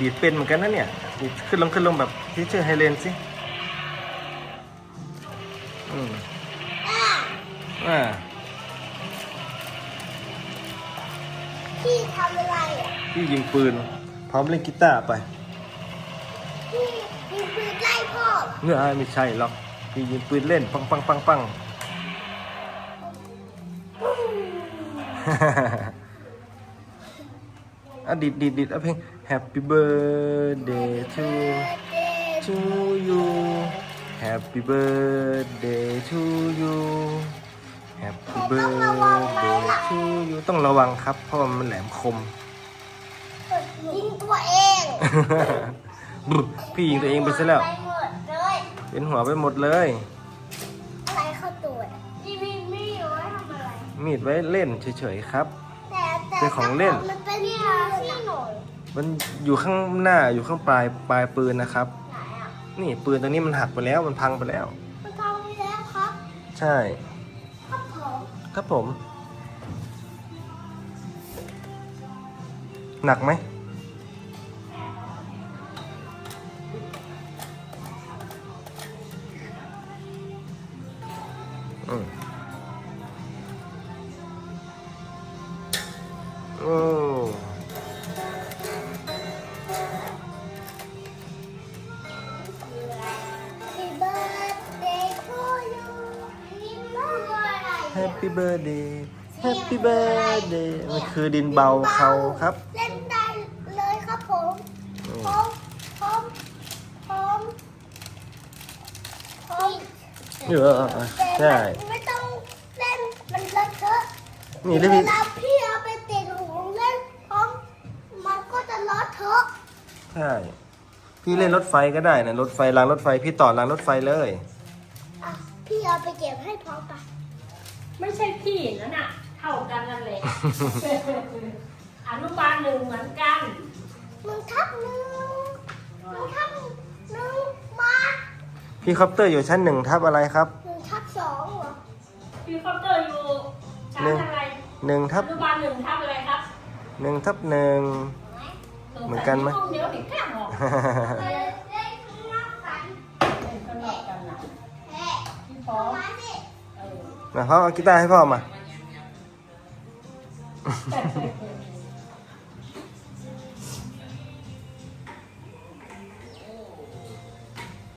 ดีดเป็นเหมือนกันนะเนี่ยดีดขึ้นลงแบบที่ชื่อไฮเลนสิอ่าพี่ทำอะไรอ่ะพี่ยิงปืนพร้อมเล่นกีตาร์ไปพี่ยิงปืนไล่พ่อเหรอเนื้อไม่ใช่หรอกพี่ยิงปืนเล่นปังอ่ะดิดเอาเพลง Happy birthday to you Happy birthday to you Happy birthday to you ต้องระวังครับเพราะมันแหลมคมยิงตัวเองพี่ยิงตัวเองไปซะแล้วไปหมดเลยเป็นหัวไปหมดเลยอะไรเข้าตัวพี่ไม่รู้ว่าทำอะไรมีดไว้เล่นเฉยๆครับแต่เป็นของเล่นมันเป็นที่หน่อยมันอยู่ข้างหน้าอยู่ข้างปลายปืนนะครับไหนอ่ะนี่ปืนตัวนี้มันหักไปแล้วมันพังไปแล้วมันทำไปแล้วครับใช่ครับผมครับผม หนักไหมอืมโอ้ Happy birthday to you นี่มันคืออะไรอ่ะ Happy birthday Happy birthday มันคือดินเบาเขาครับเล่นได้เลยครับผมผมใช่ไม่ต้องเล่นมันเลอะเทอะนี่เลยเวพี่ลาพี่เอาไปติดหูเล่นมันก็จะเลอะเทอะใช่ พี่เล่นรถไฟก็ได้นะรถไฟรางรถไฟพี่ต่อรางรถไฟเลยอ่ะพี่เอาไปเก็บให้พร้อมปะไม่ใช่พี่นั่นน่ะเท่ากันนั่นแหละ อนุบาลหนึ่งเหมือนกันมึงทับหนึ่งมาพี่คอปเตอร์อยู่ชั้น1 ทับอะไรครับ 1/2เหรอพี่คอปเตอร์อยู่ชั้นอะไร 1 ทัอบ นุบาลหนึ่งทับอะไรครับ 1 ทับ 1 เหมือนกันไหมเดี๋ยวเด็กแกล้งออกเล่นข้างนอกกันเล่นกันหลอกกันนะแหะพี่พร้อมมาสิเออนะพ่อเอากีตาร์ให้พ่อมา